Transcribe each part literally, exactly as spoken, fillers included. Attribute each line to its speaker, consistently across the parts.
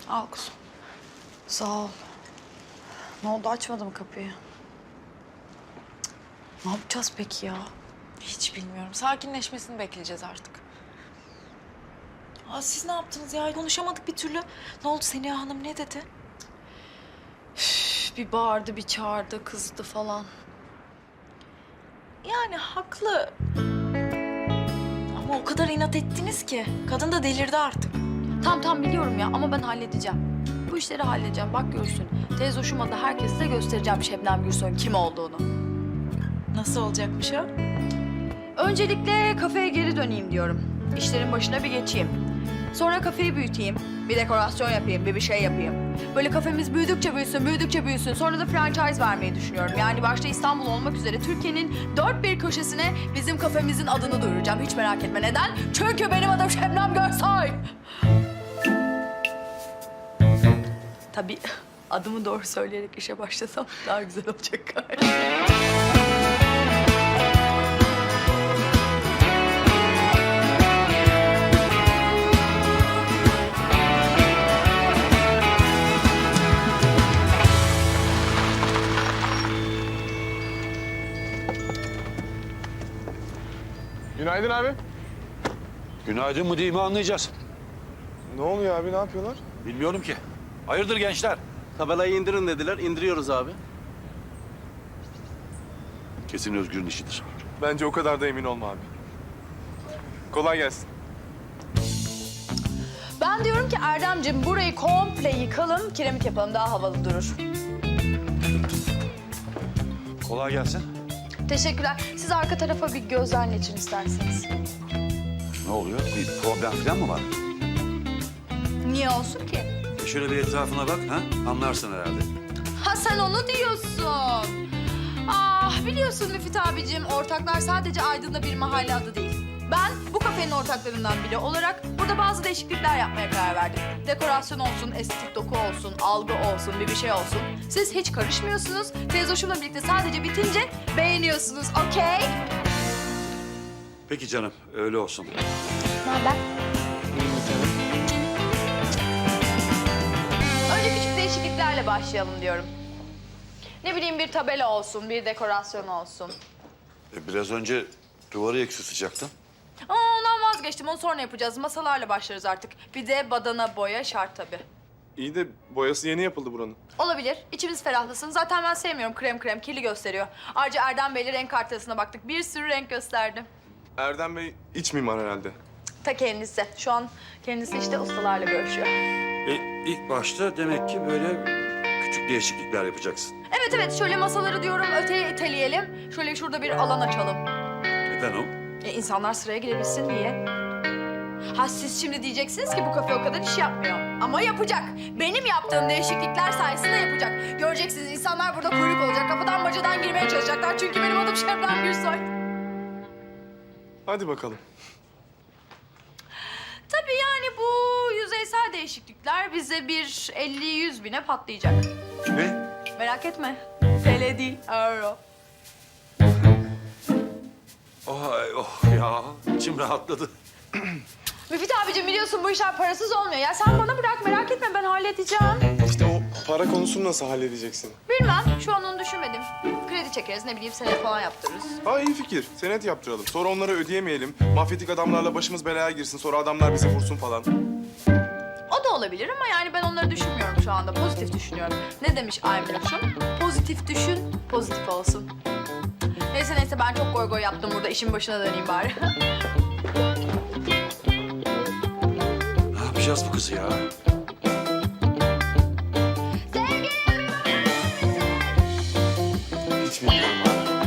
Speaker 1: Al kuzum. Sağ ol. Ne oldu, açmadı mı kapıyı? Ne yapacağız peki ya?
Speaker 2: Hiç bilmiyorum. Sakinleşmesini bekleyeceğiz artık. Aa, siz ne yaptınız ya? Konuşamadık bir türlü. Ne oldu, Seniha Hanım ne dedi?
Speaker 1: Üf, bir bağırdı, bir çağırdı, kızdı falan.
Speaker 2: Yani haklı. Ama o kadar inat ettiniz ki. Kadın da delirdi artık.
Speaker 1: Tamam tamam biliyorum ya ama ben halledeceğim. Bu işleri halledeceğim, bak görsün. Teyze hoşuma da herkese de göstereceğim Şebnem Gürsoy'un kim olduğunu.
Speaker 2: Nasıl olacakmış o?
Speaker 1: Öncelikle kafeye geri döneyim diyorum. İşlerin başına bir geçeyim. Sonra kafeyi büyüteyim. Bir dekorasyon yapayım, bir bir şey yapayım. Böyle kafemiz büyüdükçe büyüsün, büyüdükçe büyüsün. Sonra da franchise vermeyi düşünüyorum. Yani başta İstanbul olmak üzere Türkiye'nin dört bir köşesine bizim kafemizin adını duyuracağım. Hiç merak etme. Neden? Çünkü benim adım Şebnem Gürsoy. Tabii adımı doğru söyleyerek işe başlasam daha güzel olacak galiba.
Speaker 3: Günaydın abi.
Speaker 4: Günaydın mı değil mi anlayacağız.
Speaker 3: Ne oluyor abi, ne yapıyorlar?
Speaker 4: Bilmiyorum ki. Hayırdır gençler?
Speaker 5: Tabelayı indirin dediler, indiriyoruz abi.
Speaker 4: Kesin Özgür'ün işidir.
Speaker 3: Bence o kadar da emin olma abi. Kolay gelsin.
Speaker 1: Ben diyorum ki Erdemciğim burayı komple yıkalım, kiremit yapalım daha havalı durur.
Speaker 4: Kolay gelsin.
Speaker 1: Teşekkürler. Siz arka tarafa bir gözden geçin isterseniz.
Speaker 4: Ne oluyor? Bir problem falan mı var?
Speaker 1: Niye olsun ki?
Speaker 4: E şöyle bir etrafına bak, ha? Anlarsın herhalde.
Speaker 1: Ha sen onu diyorsun. Ah biliyorsun Müfit abicim, ortaklar sadece Aydın'da bir mahalle adı değil. Ben bu kafenin ortaklarından biri olarak burada bazı değişiklikler yapmaya karar verdim. Dekorasyon olsun, estetik doku olsun, algı olsun, bir bir şey olsun. Siz hiç karışmıyorsunuz. Teyzoşumla birlikte sadece bitince beğeniyorsunuz, okey?
Speaker 4: Peki canım, öyle olsun.
Speaker 1: Ne haber? Önce küçük değişikliklerle başlayalım diyorum. Ne bileyim bir tabela olsun, bir dekorasyon olsun.
Speaker 4: E biraz önce duvarı eksiltecektin.
Speaker 1: Ama ondan vazgeçtim, onu sonra yapacağız. Masalarla başlarız artık. Bir de badana boya şart tabii.
Speaker 3: İyi de boyası yeni yapıldı buranın.
Speaker 1: Olabilir, içimiz ferahlasın. Zaten ben sevmiyorum krem krem, kirli gösteriyor. Ayrıca Erdem Bey'le renk haritasına baktık. Bir sürü renk gösterdi.
Speaker 3: Erdem Bey iç mimar herhalde.
Speaker 1: Ta kendisi. Şu an kendisi işte ustalarla görüşüyor.
Speaker 4: E ilk başta demek ki böyle küçük değişiklikler yapacaksın.
Speaker 1: Evet evet, şöyle masaları diyorum öteye iteleyelim. Şöyle şurada bir alan açalım.
Speaker 4: Neden o?
Speaker 1: E, insanlar sıraya girebilsin diye. Ha siz şimdi diyeceksiniz ki bu kafe o kadar iş yapmıyor. Ama yapacak. Benim yaptığım değişiklikler sayesinde yapacak. Göreceksiniz insanlar burada kuyruk olacak. Kapıdan bacadan girmeye çalışacaklar. Çünkü benim adım Şebnem Gürsoy.
Speaker 3: Hadi bakalım.
Speaker 1: Tabii yani bu yüzeysel değişiklikler bize bir elli yüz bine patlayacak.
Speaker 4: Ne?
Speaker 1: Merak etme. T L değil, euro.
Speaker 4: Oh, oh ya, içim rahatladı.
Speaker 1: Müfit abicim biliyorsun bu işler parasız olmuyor. Ya sen bana bırak, merak etme, ben halledeceğim.
Speaker 3: İşte o para konusunu nasıl halledeceksin?
Speaker 1: Bilmem, şu an onu düşünmedim. Kredi çekeriz, ne bileyim senet falan yaptırırız.
Speaker 3: Ha iyi fikir. Senet yaptıralım. Sonra onları ödeyemeyelim. Mafyatik adamlarla başımız belaya girsin. Sonra adamlar bizi vursun falan.
Speaker 1: O da olabilir ama yani ben onları düşünmüyorum şu anda. Pozitif düşünüyorum. Ne demiş Aymun'cum? Pozitif düşün, pozitif olsun. Neyse neyse ben çok goy goy yaptım burada. İşin başına döneyim bari.
Speaker 4: Ne yapacağız bu kızı ya?
Speaker 3: Hiç bilmiyorum abi.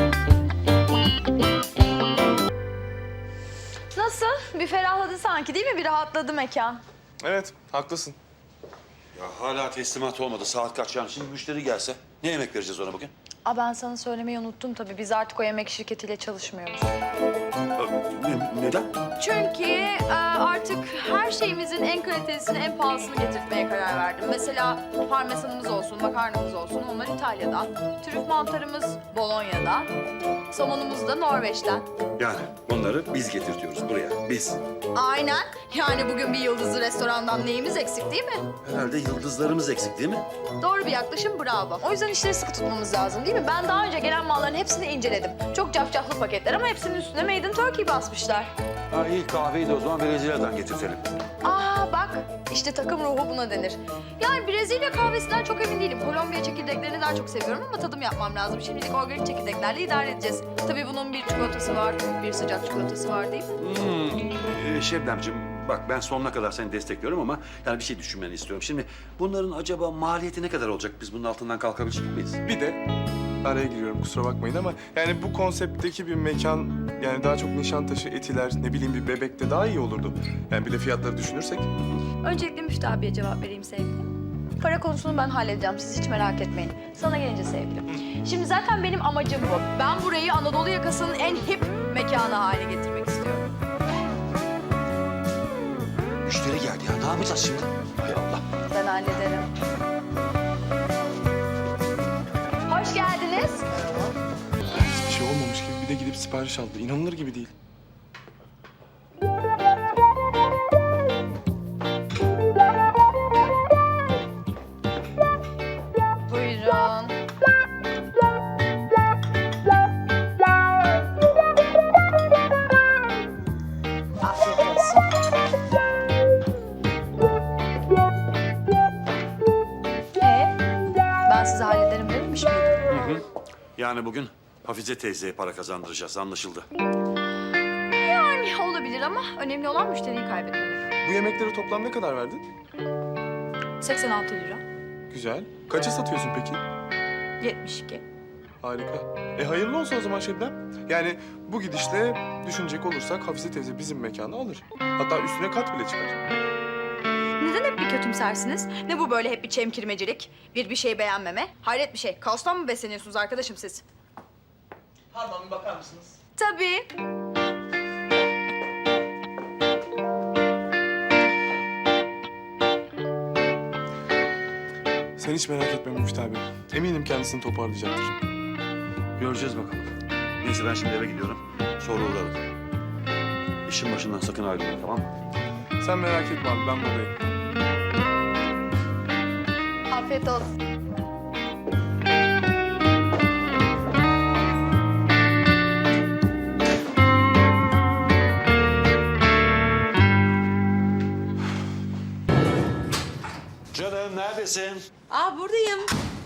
Speaker 1: Nasıl? Bir ferahladı sanki değil mi? Bir rahatladı mekan.
Speaker 3: Evet, haklısın.
Speaker 4: Ya hala teslimat olmadı. Saat kaç yani? Şimdi müşteri gelse ne yemek vereceğiz ona bugün?
Speaker 1: Aa, ben sana söylemeyi unuttum tabii. Biz artık o yemek şirketiyle çalışmıyoruz.
Speaker 4: Ne, neden?
Speaker 1: Çünkü e, artık her şeyimizin en kalitesini, en pahalısını getirtmeye karar verdim. Mesela parmesanımız olsun, makarnamız olsun, onlar İtalya'dan. Trüf mantarımız Bolonya'dan. Somonumuz da Norveç'ten.
Speaker 4: Yani onları biz getirtiyoruz buraya. Biz. biz.
Speaker 1: Aynen. Yani bugün bir yıldızlı restorandan neyimiz eksik değil mi?
Speaker 4: Herhalde yıldızlarımız eksik değil mi?
Speaker 1: Doğru bir yaklaşım, bravo. O yüzden işleri sıkı tutmamız lazım değil mi? Ben daha önce gelen malların hepsini inceledim. Çok cafcaflı paketler ama hepsinin üstüne Made in Turkey basmışlar.
Speaker 4: Ha, ilk kahveyi de o zaman Brezilya'dan getirtelim.
Speaker 1: Aa bak, işte takım ruhu buna denir. Yani Brezilya kahvesinden çok emin değilim. Kolombiya çekirdeklerini daha çok seviyorum ama tadım yapmam lazım. Şimdilik organik çekirdeklerle idare edeceğiz. Tabii bunun bir çikolatası var, bir sıcak çikolatası var değil mi?
Speaker 4: Hmm. Ee, Şebnemciğim, bak ben sonuna kadar seni destekliyorum ama yani bir şey düşünmeni istiyorum. Şimdi bunların acaba maliyeti ne kadar olacak? Biz bunun altından kalkabilecek miyiz?
Speaker 3: Bir de araya giriyorum kusura bakmayın ama yani bu konseptteki bir mekan yani daha çok Nişantaşı, Etiler, ne bileyim bir Bebek'te daha iyi olurdu. Yani bir de fiyatları düşünürsek.
Speaker 1: Öncelikle Müftü abiye cevap vereyim sevgilim. Para konusunu ben halledeceğim, siz hiç merak etmeyin. Sana gelince sevgilim. Şimdi zaten benim amacım bu. Ben burayı Anadolu yakasının en hip mekanı haline getirmek istiyorum.
Speaker 4: Müşteri geldi ya. Ne yapacağız şimdi? Hay Allah.
Speaker 1: Ben hallederim. Hoş geldiniz.
Speaker 3: Hiçbir şey olmamış gibi bir de gidip sipariş aldı. İnanılır gibi değil.
Speaker 1: Buyurun. Afiyet olsun. Ee, ben size hallederim dememiş miydim?
Speaker 4: Hı hı. Yani bugün Hafize teyzeye para kazandıracağız, anlaşıldı.
Speaker 1: Yani olabilir ama önemli olan müşteriyi kaybetmemek.
Speaker 3: Bu yemekleri toplam ne kadar verdin?
Speaker 1: seksen altı lira.
Speaker 3: Güzel. Kaça satıyorsun peki?
Speaker 1: yetmiş iki.
Speaker 3: Harika. E hayırlı olsun o zaman Şebnem. Yani bu gidişle düşünecek olursak Hafize teyze bizim mekanı alır. Hatta üstüne kat bile çıkar.
Speaker 1: Neden hep bir kötümsersiniz? Ne bu böyle hep bir çemkirmecilik? Bir bir şey beğenmeme? Hayret bir şey. Kaostan mı besleniyorsunuz arkadaşım siz?
Speaker 5: Pardon bir bakar mısınız?
Speaker 1: Tabii.
Speaker 3: Sen hiç merak etme Müftü abi. Eminim kendisini toparlayacaktır.
Speaker 4: Göreceğiz bakalım. Neyse ben şimdi eve gidiyorum. Sonra uğrarım. İşin başından sakın ayrılma, tamam mı?
Speaker 3: Sen merak etme abi ben buradayım.
Speaker 1: Afiyet olsun.
Speaker 4: Canım neredesin?
Speaker 6: Aa buradayım.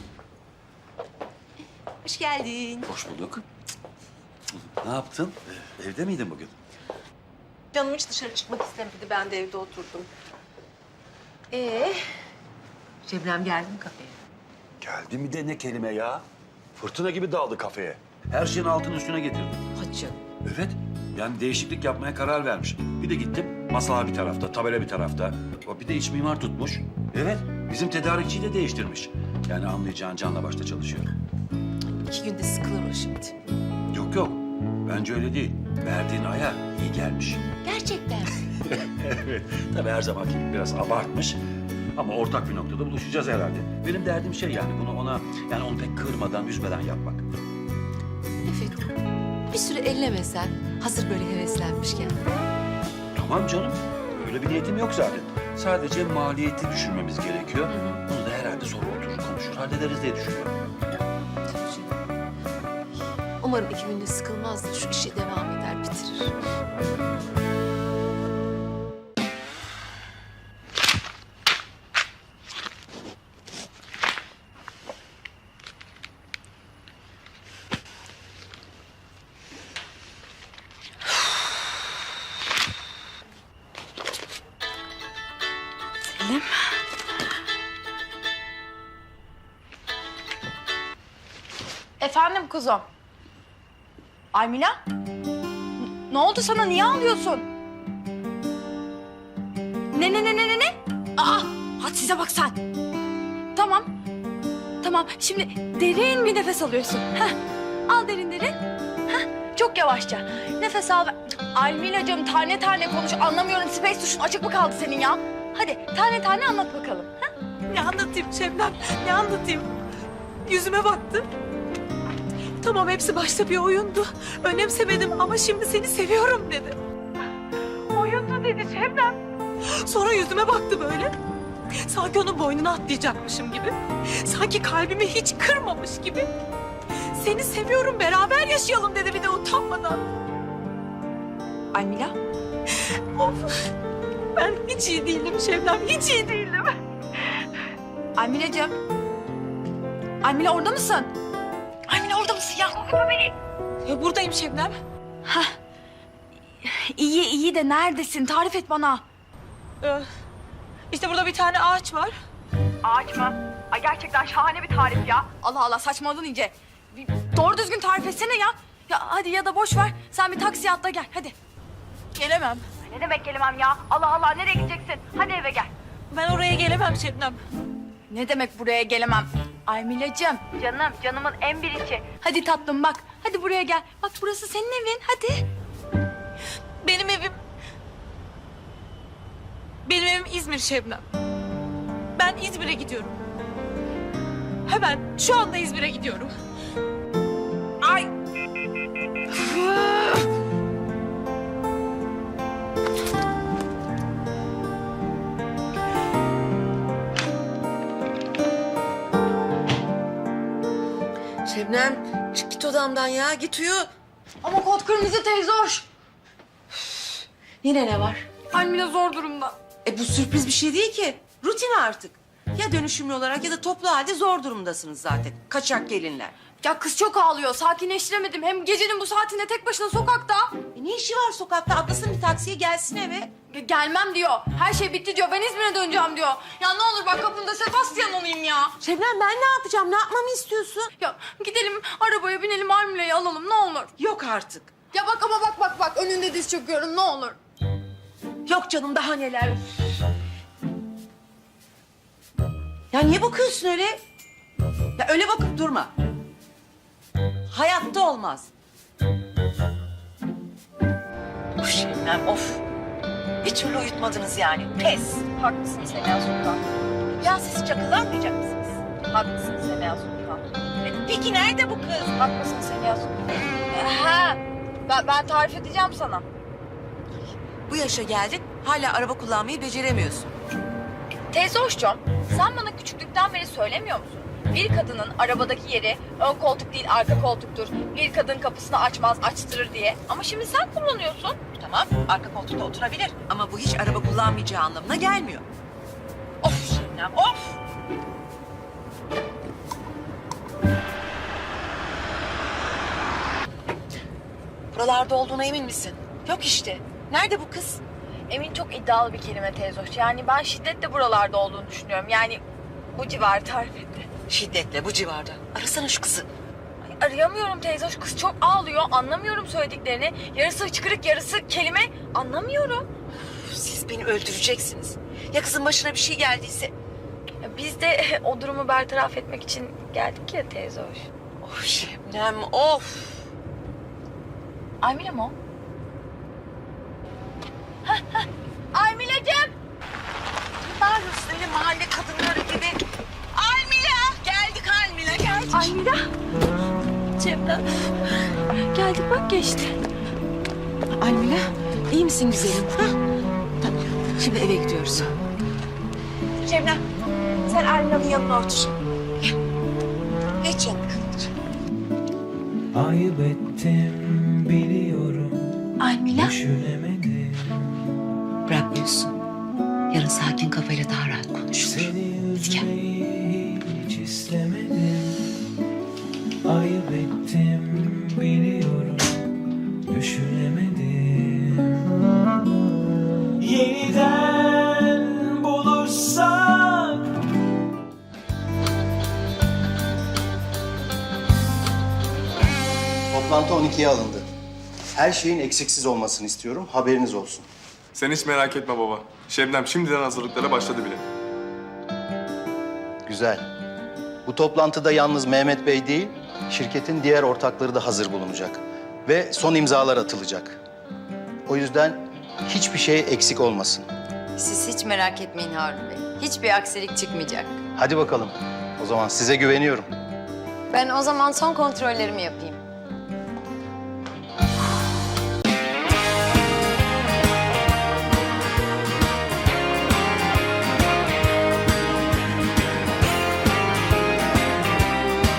Speaker 6: Hoş geldin.
Speaker 4: Hoş bulduk. Ne yaptın? Ee, Evde miydin bugün?
Speaker 6: Canım hiç dışarı çıkmak istemedi. Ben de evde oturdum. Ee, Şebnem geldi mi kafeye?
Speaker 4: Geldi mi de ne kelime ya? Fırtına gibi daldı kafeye. Her şeyin altını üstüne getirdi.
Speaker 6: Hacı.
Speaker 4: Evet. Yani değişiklik yapmaya karar vermiş. Bir de gittim. Masa bir tarafta, tabela bir tarafta. O bir de iç mimar tutmuş. Evet. Bizim tedarikçiyi de değiştirmiş. Yani anlayacağın canla başta çalışıyor.
Speaker 6: İki günde sıkılır o şimdi.
Speaker 4: Yok yok. Bence öyle değil. Verdiğin ayar iyi gelmiş.
Speaker 6: Gerçekten.
Speaker 4: Evet. Tabii her zamanki gibi biraz abartmış. Ama ortak bir noktada buluşacağız herhalde. Benim derdim şey yani bunu ona yani onu pek kırmadan, üzmeden yapmak.
Speaker 6: Evet. Bir süre ellemesen. Hazır böyle heveslenmişken.
Speaker 4: Tamam canım. Öyle bir niyetim yok zaten. Sadece maliyeti düşünmemiz gerekiyor. Bunu da herhalde sonra oturur konuşur hallederiz diye düşünüyorum.
Speaker 6: Tabii canım. Umarım iki günde sıkılmaz da şu işe devam eder, bitirir.
Speaker 1: Selim. Efendim kuzum. Aymila? N- Ne oldu sana? Niye ağlıyorsun? Ne ne ne ne ne ne? Aa, hadi size bak sen. Tamam. Tamam. Şimdi derin bir nefes alıyorsun. Heh. Al derin derin. Heh. Çok yavaşça. Nefes al. ver. Almilacığım tane tane konuş. Anlamıyorum. Space tuşun açık mı kaldı senin ya? Hadi tane tane anlat bakalım. Heh.
Speaker 6: Ne anlatayım Şebnem? Ne anlatayım? Yüzüme baktı. Tamam hepsi başta bir oyundu. Önemsemedim ama şimdi seni seviyorum dedi. Oy
Speaker 2: Şebnem. Sonra yüzüme baktı böyle. Sanki onun boynuna atlayacakmışım gibi. Sanki kalbimi hiç kırmamış gibi. Seni seviyorum, beraber yaşayalım dedi bir de utanmadan.
Speaker 1: Almila?
Speaker 2: Of. Ben hiç iyi değilim Şebnem, hiç iyi değilim.
Speaker 1: Almila'cığım. Almila orada mısın?
Speaker 2: Almila orada mısın ya? Korkutma beni. Ya buradayım Şebnem.
Speaker 1: İyi iyi de neredesin? Tarif et bana.
Speaker 2: Ee, işte burada bir tane ağaç var.
Speaker 1: Ağaç mı? Ay gerçekten şahane bir tarif ya. Allah Allah saçmaladın iyice. Bir doğru düzgün tarif etsene ya. Ya hadi ya da boş ver. Sen bir taksiye atla gel hadi.
Speaker 2: Gelemem.
Speaker 1: Ne demek gelemem ya? Allah Allah nereye gideceksin? Hadi eve gel.
Speaker 2: Ben oraya gelemem Şebnem.
Speaker 1: Ne demek buraya gelemem? Almila'cığım. Canım, canımın en biricik. Hadi tatlım bak. Hadi buraya gel. Bak burası senin evin. Hadi.
Speaker 2: Benim evim... Benim evim İzmir Şebnem. Ben İzmir'e gidiyorum. Hemen şu anda İzmir'e gidiyorum. Ay!
Speaker 6: Şebnem çık git odamdan ya git uyu.
Speaker 1: Ama kod kırmızı teyze hoş.
Speaker 6: Yine ne var?
Speaker 1: Almila zor durumda.
Speaker 6: E bu sürpriz bir şey değil ki. Rutin artık. Ya dönüşümlü olarak ya da toplu halde zor durumdasınız zaten. Kaçak gelinler.
Speaker 1: Ya kız çok ağlıyor. Sakinleştiremedim. Hem gecenin bu saatinde tek başına sokakta.
Speaker 6: E ne işi var sokakta? Atlasın bir taksiye gelsin eve.
Speaker 1: Ge- Gelmem diyor. Her şey bitti diyor. Ben İzmir'e döneceğim diyor. Ya ne olur bak kapımda Sebastian olayım ya.
Speaker 6: Şebnem ben ne yapacağım? Ne yapmamı istiyorsun?
Speaker 1: Ya gidelim arabaya binelim Almila'yı alalım ne olur.
Speaker 6: Yok artık.
Speaker 1: Ya bak ama bak bak bak önünde diz çöküyorum ne olur.
Speaker 6: Yok canım daha neler. Ya niye bakıyorsun öyle? Ya öyle bakıp durma. Hayatta olmaz. Of Şebnem of. Bir türlü uyutmadınız yani. Pes.
Speaker 1: Haklısın Semiha Sultan.
Speaker 6: Ya siz çakılanmayacak mısınız?
Speaker 1: Haklısın Semiha Sultan.
Speaker 6: Peki nerede bu kız?
Speaker 1: Haklısın Semiha Sultan. Ha, ben, ben tarif edeceğim sana.
Speaker 6: Bu yaşa geldin hala araba kullanmayı beceremiyorsun.
Speaker 1: Teyze hoşçum, sen bana küçüklükten beri söylemiyor musun? Bir kadının arabadaki yeri ön koltuk değil arka koltuktur. Bir kadın kapısını açmaz açtırır diye. Ama şimdi sen kullanıyorsun.
Speaker 6: Tamam arka koltukta oturabilir ama bu hiç araba kullanmayacağı anlamına gelmiyor. Of Şebnem of. Buralarda olduğuna emin misin? Yok işte. Nerede bu kız?
Speaker 1: Emin çok iddialı bir kelime teyze hoş. Yani ben şiddetle buralarda olduğunu düşünüyorum. Yani bu civarı tarif etti.
Speaker 6: Şiddetle bu civarda. Arasana şu kızı.
Speaker 1: Ay, arayamıyorum teyze hoş. Kız çok ağlıyor. Anlamıyorum söylediklerini. Yarısı hıçkırık yarısı kelime. Anlamıyorum.
Speaker 6: Siz beni öldüreceksiniz. Ya kızın başına bir şey geldiyse?
Speaker 1: Ya biz de o durumu bertaraf etmek için geldik ya teyze hoş.
Speaker 6: Of Şebnem of.
Speaker 1: Almila mı o? Almila'cığım.
Speaker 6: Bağırıyorsun öyle mahalle kadınları gibi. Almila. Geldik Almila geldik.
Speaker 1: Almila. Cemre. Geldik bak geçti.
Speaker 6: Almila iyi misin güzelim? Ha? Tamam şimdi eve gidiyoruz. Şebnem sen Almila'nın yanına otur. Gel. Geç yanına.
Speaker 7: Ayıp ettim biliyorum.
Speaker 1: Almila.
Speaker 7: Düşünemedim.
Speaker 6: Bırakmıyorsun. Yarın sakin kafayla daha rahat konuşuruz.
Speaker 7: Seni üzmeyi hiç istemedim. Ayıp ettim biliyorum. Düşünemedim. Yeniden bulursak.
Speaker 8: Toplantı on ikiye alındı. Her şeyin eksiksiz olmasını istiyorum. Haberiniz olsun.
Speaker 3: Sen hiç merak etme baba. Şebnem şimdiden hazırlıklara başladı bile.
Speaker 8: Güzel. Bu toplantıda yalnız Mehmet Bey değil, şirketin diğer ortakları da hazır bulunacak. Ve son imzalar atılacak. O yüzden hiçbir şey eksik olmasın.
Speaker 9: Siz hiç merak etmeyin Harun Bey. Hiçbir aksilik çıkmayacak.
Speaker 8: Hadi bakalım. O zaman size güveniyorum.
Speaker 9: Ben o zaman son kontrollerimi yapayım.